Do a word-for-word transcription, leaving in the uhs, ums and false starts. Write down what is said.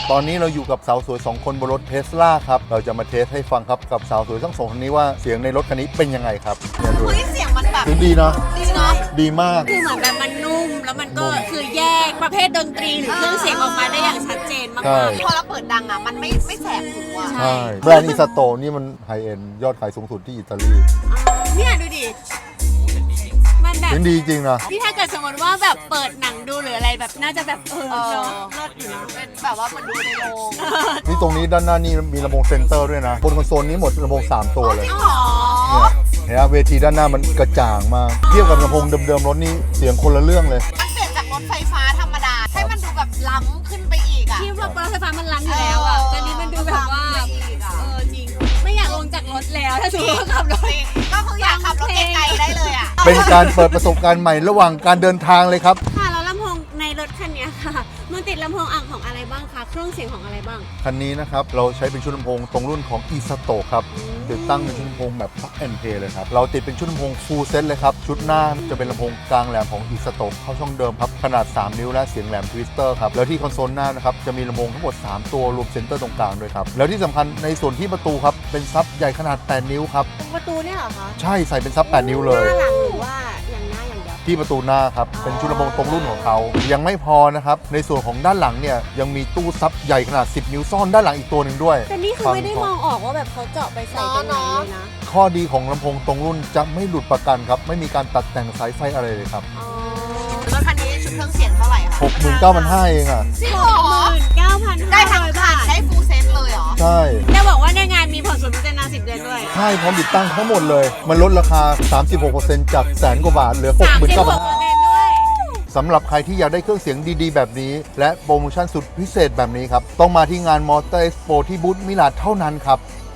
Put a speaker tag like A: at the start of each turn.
A: ตอนนี้เราอยู่กับสาวสวยสองคนบนรถเทสลาครับเราจะมาเทสให้ฟังครับกับสาวสวยทั้งสองคนนี้ว่าเสียงในรถคันนี้เป็นยังไงครับเนี่ยดู
B: เฮ้ยเสียงมันแบบ
A: เสียงดีเนาะ
B: ดีเนาะ
A: ดีมาก
C: คือเหมือนแบบมันนุ่มแล้วมันก็คือแยกประเภทดนตรีหรือเครื่องเสียงออกมาได้อย่างชัดเจนมาก
A: ใช่
C: ๆ
B: พอเราเปิดดังอ่ะมันไม่ไม่แสบหูอ่ะ
A: ใช่แบรนด์อิซาโตะนี่มันไฮเอ็นยอดขายสูงสุดที่อิตาลี
C: เนี่ยดูดิมันแบบ
A: เสียงดีจริงนะ
C: นี่ถ้าเกิดสมมติว่าแบบเปิดหนังดูหรืออะไรแบบน่าจะแบบเออ
B: เออ
C: เนาะเลิศอยู่นะ
B: เป็นแบบว่ามันดูในโรง
A: นี่ตรงนี้ด้านหน้านี่มีลำโพงเซนเตอร์ด้วยนะบนคอนโซลนี้หมดลำโพงสามตัวเลย
B: จริงเหรอ
A: เนี่ยเห็นไหมเวทีด้านหน้ามันกระจ่างมากเทียบกับลำโพงเดิมๆรถนี่เสียงคนละเรื่องเลย
B: มันเปลี่ยนจากรถไฟฟ้าธรรมดาให้มันดูแบบล้ำขึ้นไปอีกอ่ะ
C: ที่รถไฟฟ้ามันล้ำอยู่แล้วอ่ะแต่นี้มันดูแบบว่า
B: ล้ำไปอีกอ่ะ
C: เออจริงไม่อยากลงจากรถแล้วถ้าสมมติว่าขับรถ
B: จริงก็คืออยากขับรถไกลๆได้เลยอ่ะ
A: เป็นการเปิดประสบการณ์ใหม่ระหว่างการเดินทางเลยครับ
C: ค่ะแล้วลำโพงในรถคันเนี้ยค่ะ มันติดลำโพงอ่างของอะไรบ้างคะเครื่องเสียงของอะไรบ้าง
A: คันนี้นะครับเราใช้เป็นชุดลำโพงตรงรุ่นของ อี เอส โต ครับติดตั้งเป็นชุดลำโพงแบบ Plug and Play เลยครับเราติดเป็นชุดลำโพง Full Set เลยครับชุดหน้าจะเป็นลำโพงกลางแหลมของ อี เอส โต เข้าช่องเดิมครับขนาดสามนิ้วและเสียงแหลมทวิสเตอร์ครับแล้วที่คอนโซลหน้านะครับจะมีลำโพงทั้งหมดสามตัวรวมเซนเตอร์ตรงกลางด้วยครับแล้วที่สำคัญในส่วนที่ประตูครับเป็นซับใหญ่ขนาดแปดนิ้วครับ
C: ประตูเนี่ยเหรอคะ
A: ใช่ใส่เป็นซับแปดนิ้วเลย
C: หน้าหลังหรือว่าอย่างหน้าอย่างเดียว
A: ที่ประตูหน้าครับเป็นชุดลำโพงตรงรุ่นของเขายังไม่พอนะครับในส่วนของด้านหลังเนี่ยยังมีตู้ซับใหญ่ขนาดสิบนิ้วซ่อนด้านหลังอีกตัวหนึ่งด้วย
C: แต่นี่คือไม่ได้มองออกว่าแบบเขาเจาะไปใส่ตรงไหนเลยนะ
A: ข้อดีของลำโพงตรงรุ่นจะไม่หลุดประกันครับไม่มีการตัดแต่งสายไฟอะไรเลยครับ
C: อ๋อ
B: รถคันนี้ชุดเครื่องเสียงเท่าไหร่คะ
A: หกหมื่นเก้าพันห้าร้อย เองอ่ะ
B: จริง
C: ห
B: เหรอก
C: หมื่นเก้าพัน
B: ได้
C: ห้า
B: ทั้ง
C: ร้อย
B: คั
C: บาน ท
B: ได้ฟูลเซ็ตเลยเหรอ
A: ใช่
C: จะบอกว่าในงานมีผ่อนศูนย์เปอร์เซ็นต์นานสิบเดือนด้วย
A: ใช่พร้อมติดตั้งทั้งหมดเลย มันลดราคา สามสิบหกเปอร์เซ็นต์ จากแสนกว่าบาทเหลือ หก
C: สาม
A: หมื่น
C: สิบ
A: เก้า
C: ห
A: พัน
C: กเปอ
A: ห้า
C: ร์เซ็นต์ด้วย
A: สำหรับใครที่อยากได้เครื่องเสียงดีๆ แบบนี้ และโปรโมชั่นสุดพิเศษแบบนี้ครับต้องมาที่งานมอเตอร์เอ็กซ์โปที่บูธมิลานเท่านั้นครับ